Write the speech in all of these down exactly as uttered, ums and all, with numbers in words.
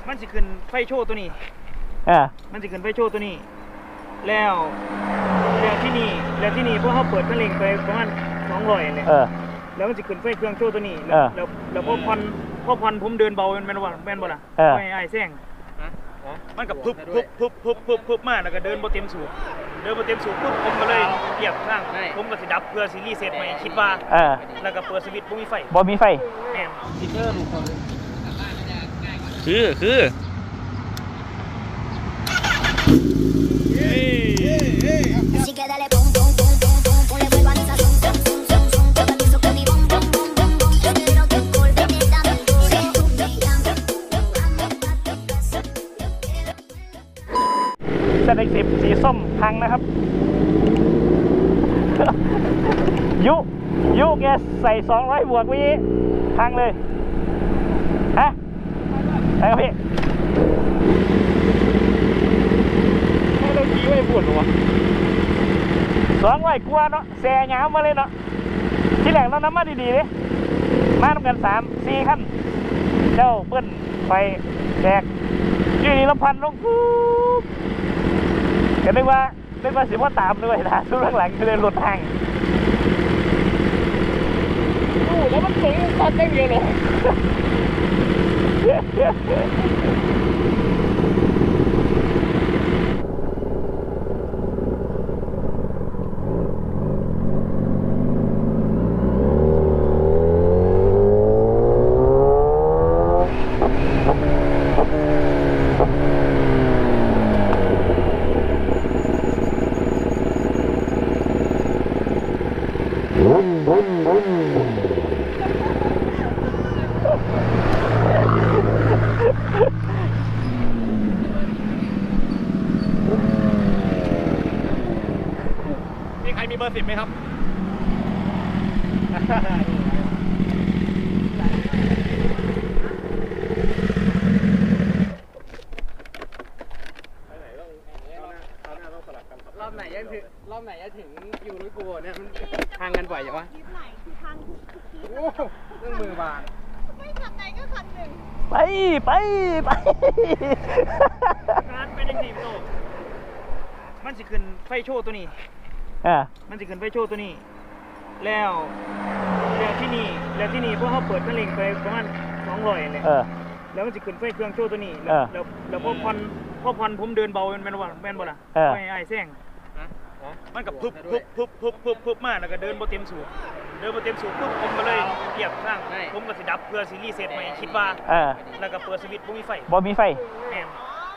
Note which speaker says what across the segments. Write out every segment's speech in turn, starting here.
Speaker 1: มันจะขึ้นไฟโชว์ตัวนี้อ่ามันจะขึ้นไฟโชว์ตัวนี้แล้วแล้วที่นี่แล้วที่นี่พวกเขาเปิดคันเร่งไปประมาณสองร้อยเนี่ยแล้วมันจะขึ้นไฟเครื่องโชว์ตัวนี้แล้วแล้วแล้วพอพันพอพันผมเดินเบาเป็นแมนว่าแมนบ่ล่ะไม่ไอ้แซงมันกับพึบพึบพึบพึบพึบพึบมาแล้วก็เดินบนเต็มสูบเดินบนเต็มสูบปุ๊บผมก็เลยเหยียบข้างผมก็สิดับเพื่อซีรีส์เซตใหม่คิดว่าแล้วก็เปิดสวิตช์บ่มีไฟบ่มีไฟแม่นซิเกอร์ลูกคนคือคือเซต เอ็กซ์ สิบสีส้มพังนะครับ ยุยุแกใส่สองร้อยบวกวิพังเลยฮะใช่ครับพี่ให้เราขี่ไว้ปวดหัวสองร้อยกว่าเนาะแซ่ยาวมาเลยเนาะที่แหลงเราน้ำมาดีๆเลยมาทำกันสามสี่ขั้นเจ้าเปิ้ลไฟแจกยืนละพันลงปุ๊บก็นึกว่านึกว่าสิว่าตามด้วยนะทุกหลังๆเลยหลุดทางโอ้แล้วมันสูงตอนเต้นเยอะเลยมีใครมีเบอร์สิบไหมครับรอบไหนยังถึงรอบไหนจะถึงอยู่รู้กูเนี่ยมันทางกันบ่อยอย่างวะคลิปไหนทางทุกคลิปโอ้เรื่องมือบางไม่คันไหนก็คันหนึ่งไปไปไปการเป็นยังไงโตมันจะขึ้นไฟโชว์ตัวนี้อ่ามันจะขึ้นไฟโชว์ตัวนี้แล้วแล้วที่นี่แล้วที่นี่พวกเขาเปิดคันเร่งไปประมาณสองร้อยเนี่ยแล้วมันจะขึ้นไฟเครื่องโชว์ตัวนี้แล้วแล้วแล้วพอพันพอพันผมเดินเบาเป็นแมนว่าแมนบ่ล่ะไม่ไอ้แซงมันกับพึบพึบพึบพึบพึบพึบมาแล้วก็เดินบนเต็มสูบเดินบนเต็มสูบปุ๊บผมก็เลยเหยียบข้างผมก็สิดับเพื่อซีรีส์เซตใหม่คิดว่าแล้วก็เปิดสวิตช์บ่มีไฟบ่มีไฟแม่น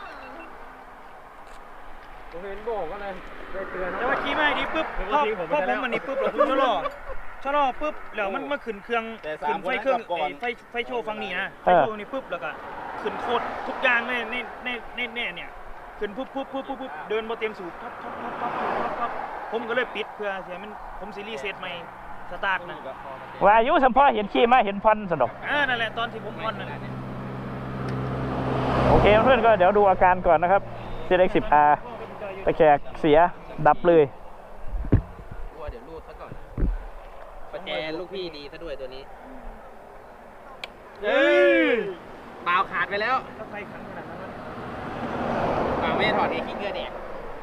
Speaker 1: ผมเห็นโบกก็เลยเตือนแล้วว่าขี่ไม่ดีปุ๊บพอพอผมมันนี่ปุ๊บเราชะลอชะลอปุ๊บแล้วมันมาขึ้นเครื่องขึ้นไฟเครื่องไฟไฟโชว์ฟังนี่นะไฟโชว์นี่ปุ๊บแล้วก็ขึ้นโคตรทุกอย่างในในในในเนี่ยขึ้นปุ๊บปุ๊บปุ๊บปุ๊บเดินบนเต็มสูบปั๊บปั๊บปั๊บปั๊บปั๊บผมก็เลยปิดเพื่อเสียมันผมซีรีส์เซตใหม่สตาร์ทนะว่าอายุสัมพอเห็นขี่มาเห็นพันสนุกอ่านั่นแหละตอนที่ผมพันนั่นแหละโอเคเพื่อนก็เดี๋ยวดูอาการก่อนนะครับ เซต เอ็กซ์ สิบ อาร์ ตะแคกเสียดับเลยกลัวเดี๋ยวรูดซะก่อนประแจลูกพี่ดีซะด้วยตัวนี้เอ้ยเปล่าขาดไปแล้วถ้าใครขันขนาดนั้นเปล่าไม่ถอดเองขี้เกียจแดก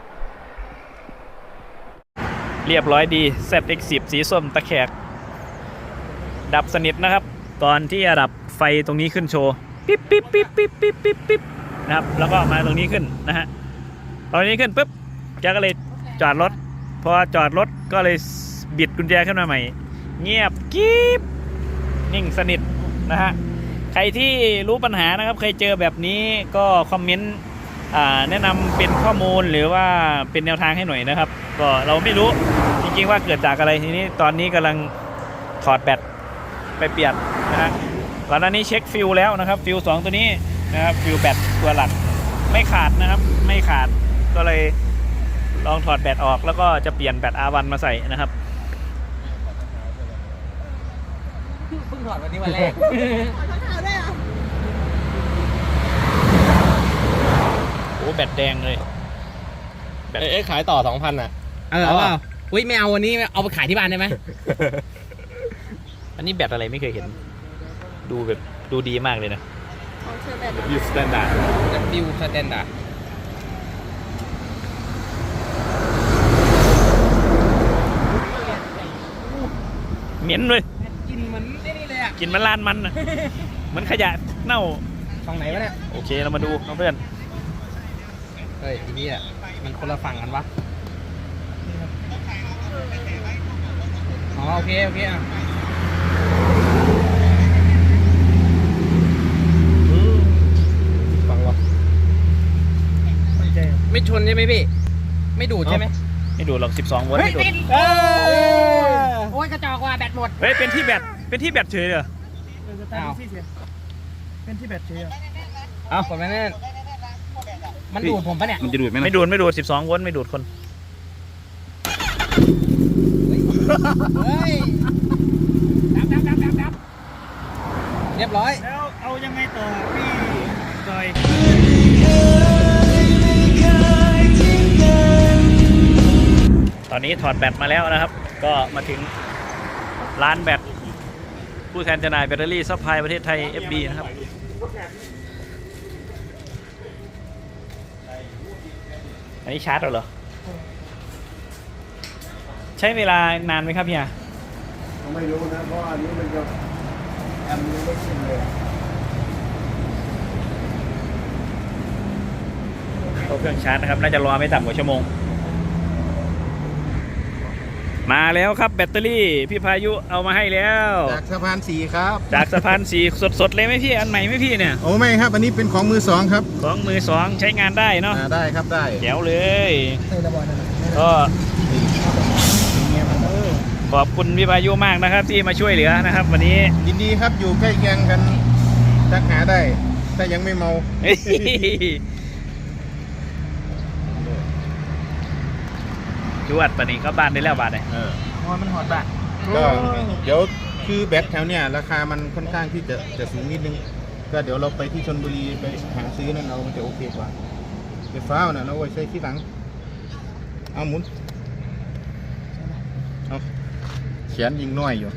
Speaker 1: เรียบร้อยดี เซต เอ็กซ์ สิบ สีส้มตะแคกดับสนิทนะครับก่อนที่จะดับไฟตรงนี้ขึ้นโชว์ปิ๊บปิ๊บปิ๊บปิ๊บปิ๊บปิ๊บปิ๊บนะครับแล้วก็มาตรงนี้ขึ้นนะฮะตอนนี้ขึ้นปุ๊บแกก็เลยจอดรถพอจอดรถก็เลยบิดกุญแจขึ้นมาใหม่เงียบกิ๊บนิ่งสนิทนะฮะใครที่รู้ปัญหานะครับเคยเจอแบบนี้ก็คอมเมนต์แนะนำเป็นข้อมูลหรือว่าเป็นแนวทางให้หน่อยนะครับก็เราไม่รู้จริงๆว่าเกิดจากอะไรทีนี้ตอนนี้กำลังถอดแบตไปเปลี่ยนนะฮะก่อนหน้านี้เช็คฟิวแล้วนะครับฟิวสองตัวนี้นะครับฟิวแบตตัวหลักไม่ขาดนะครับไม่ขาดก็เลยลองถอดแบตออกแล้วก็จะเปลี่ยนแบต อาร์ วัน มาใส่นะครับเพิ่งถอดวันนี้วันแรกโอ้แบตแดงเลยแบตเอ๊ะขายต่อ สองพัน อ่ะเออเอาเปล่าอุ้ยไม่เอาวันนี้เอาไปขายที่บ้านได้ไหมอันนี้แบตอะไรไม่เคยเห็นดูแบบดูดีมากเลยนะ
Speaker 2: ของเชอร์แบท
Speaker 3: ยูสแตนดาร์ด
Speaker 4: W Standard
Speaker 1: เหม็นเลย
Speaker 4: กินเหมือนไอ้นี่เลยอ่ะ
Speaker 1: กินมันลานมันน่ะเหมือนขยะเน่า
Speaker 4: ฝั่งไหนวะเนี่ย
Speaker 1: โอเคเรามาดูนะเพื่อน
Speaker 4: เฮ้ยทีนี้อ่ะมันคนละฝั่งกันวะอ๋อโอเคโอเคอ่ะฝั่งวะไม่ชนใช่ไหมพี่ไม่ดูดใช่ไหม
Speaker 1: ไม่ดูดหรอกสิบสองโวลต์ไม่ดูด
Speaker 4: โอ้ยกระจอกว่าแบตหมด
Speaker 1: เฮ้ยเป็นที่แบตเป็นที่แบตเฉยเหรอ
Speaker 4: อ้าว
Speaker 5: เป็นที่แบตเฉย
Speaker 4: เอ้ากดไม่แน่นมันดูดผมปะเนี่ย
Speaker 3: มันจะดูดไหมนะ
Speaker 1: ไม่ดูดไม่ดูดสิบสองโวลต์ไม่ดูดคน
Speaker 4: เฮ้ยดับดับดับดับดับเรียบร้อย
Speaker 5: แล้วเอายังไงต่อพี่จอย
Speaker 1: ตอนนี้ถอดแบตมาแล้วนะครับ ก็มาถึงร้านแบตผู้แทนจำหน่ายแบตเตอรี่ซัพพลายประเทศไทย เอฟ บี นะครับอันนี้ชาร์จเหรอใช้เวลานานไหมครับพี่อา
Speaker 6: ไม่รู้นะเพราะอันนี้มันจะแอมยังไม่ขึ้นเลย
Speaker 1: เข้าเครื่องชาร์จนะครับน่าจะรอไม่ต่ำกว่าชั่วโมงมาแล้วครับแบตเตอรี่พี่พายุเอามาให้แล้ว
Speaker 6: จากสะพานสีครับ
Speaker 1: จากสะพานสีสดๆเลยไหมพี่อันใหม่ไหมพี่เนี่ย
Speaker 6: โอ้ไม่ครับ อันนี้เป็นของมือสองครับ
Speaker 1: ของมือสองใช้งานได้เนาะ
Speaker 6: อ่าได้ครับได้
Speaker 1: แจ๋วเลย
Speaker 5: ใส่ระบายนั่นแหละ
Speaker 1: ก็ขอบคุณพี่พายุมากนะครับที่มาช่วยเหลือนะครับ วันนี้
Speaker 6: ยินดีครับอยู่ใกล้เคียงกันทักหาได้ถ้ายังไม่เมา
Speaker 1: จวดปะนี้ก็บ้านได้แล้วบาทเลย
Speaker 6: เออ
Speaker 5: หัวมันหอดบาท
Speaker 6: ก็เดี๋ยวคือแบตแถวเนี้ยราคามันค่อนข้างที่จะจะสูงนิดนึงก็เดี๋ยวเราไปที่ชลบุรีไปหาซื้อนั่นเอามันจะโอเคกว่าไฟฟ้าน่ะเราไว้ใช้ที่หลังเอาหมุนเอาเขียนยิงน้อยอยู่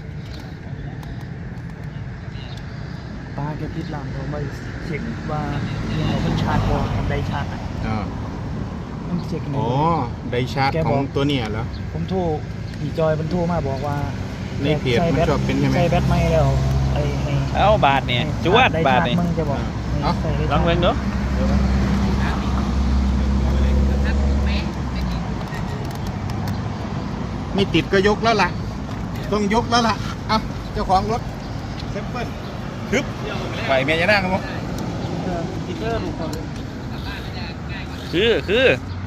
Speaker 5: ปลาแกพิษลามเขาไปเช็คว่าเนี่ยมันชาร์จบอลมันได้ชาร์จอ่ะ
Speaker 6: อ่า
Speaker 5: มันเช็คนี่
Speaker 6: อ๋อไดชาร์จของตัวเนี่ยเหรอ
Speaker 5: ผมโทรพี่จอยมันโทรมาบอกว่า
Speaker 6: ในเพจมันชอบเป็นใช่ไหม
Speaker 5: ใส่แบตไม่แล้วไอ้ให้
Speaker 1: เอาบาทเนี่ยจวด
Speaker 5: ได้
Speaker 1: บาท
Speaker 5: ชร์จ
Speaker 1: เนี่ย
Speaker 5: มึงจะบอก
Speaker 6: เอ้า
Speaker 5: ใส่ได้
Speaker 1: ลองเบิ่งดู
Speaker 6: ไม่ติดก็ยกแล้วล่ะ ต้องยกแล้วล่ะเอ้าเจ้าของรถเซมเปิลทึบไปเมียจะนั่งครับผม
Speaker 5: สติ๊กเกอร์ลูกเขาเลย
Speaker 1: คือคือ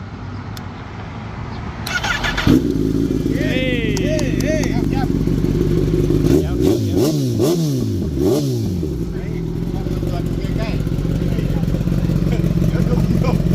Speaker 1: เฮ้ย
Speaker 6: เอ้ยเอ้ยยับยับเดี๋ยวเดี๋ยวเดี๋ยวเฮ้ยตรวจใกล้ๆเดี๋ยวลุกลุก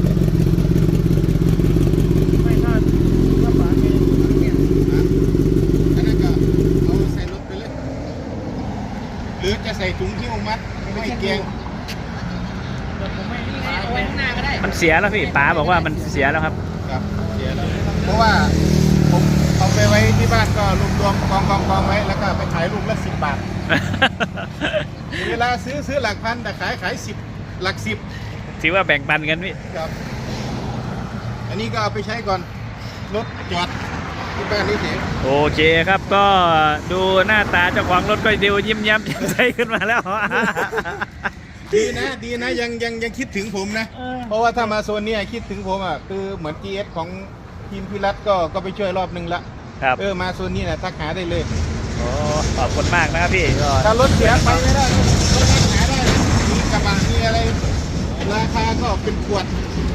Speaker 5: ไม่ถ้าถ้าปลาแกเนี่ย
Speaker 6: อ่ะอันนั้นก็เอาใส่รถไปเลย หรือจะใส่ถุงที่มัดไม่เกียง
Speaker 5: แบบผมไม่
Speaker 4: นี่ไงเอาไว้ข้างหน้าก็ได้
Speaker 1: มันเสียแล้วพี่ป๋าบอกว่ามันเสียแล้วครับ
Speaker 6: ครับเสียแล้วเพราะว่าผมเอาไปไว้ที่บ้านก็รวมรวมกองกองกองไว้แล้วก็ไปขายลูกละสิบบาท เวลาซื้อซื้อหลักพันแต่ขายขายสิบหลักสิบ
Speaker 1: ถือว่าแบ่งปันกันพี่
Speaker 6: ครับ อันนี้ก็เอาไปใช้ก่อนรถจอดที่บ้านนี่เฉย
Speaker 1: โอเคครับก็ดูหน้าตาเจ้าของรถก็ดูยิ้มแย้มแจ่มใสขึ้นมาแล้ว
Speaker 6: ดีนะดีนะยังยังยังคิดถึงผมนะ เพราะว่าถ้ามาโซนเนี้ยคิดถึงผมอ่ะคือเหมือน จี เอส ของทีมพิรัตก็ก็ไปช่วยรอบนึงละ
Speaker 1: ครับ
Speaker 6: เออมาโซนนี้นะทักหาได้เลย
Speaker 1: โอ้ขอบคุณมากนะครับพี่ก็
Speaker 6: ถ้ารถเสียไปไม่ได้รถทักหาได้มีกระบะมีอะไร ราคาก็เป็นขวด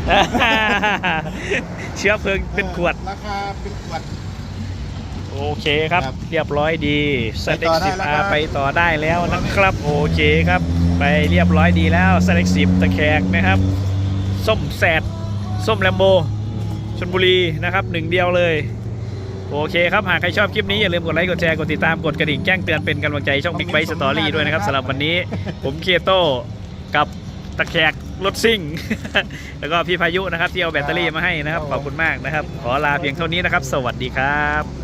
Speaker 1: เชื้อเพลิงเป็นขวด
Speaker 6: ราคาเป็นขวด
Speaker 1: โอเคครับ
Speaker 6: ครับ
Speaker 1: เรียบร้อยดี s
Speaker 6: ไป
Speaker 1: e
Speaker 6: ต่อ
Speaker 1: x
Speaker 6: ได้
Speaker 1: สิบ
Speaker 6: แล้ว
Speaker 1: อา
Speaker 6: ครับ
Speaker 1: ไปต่อได้แล้วนะครับ โอเคครับ ไปเรียบร้อยดีแล้ว s e สิบตะแคกนะครับ ส้มแสดส้มแลมโบชลบุรีนะครับหนึ่งเดียวเลย โอเคครับหากใครชอบคลิปนี้อย่าลืมกดไลค์กดแชร์กดติดตามกดกระดิ่งแจ้งเตือนเป็นกำลังใจช่อง Big Bike Story ด้วยนะครับสำหรับวันนี้ผมเคโต้กับตะแคกรถซิ่ง แล้วก็พี่พายุนะครับที่เอาแบตเตอรี่มาให้นะครับขอบคุณมากนะครับ ขอลาเพียงเท่านี้นะครับ สวัสดีครับ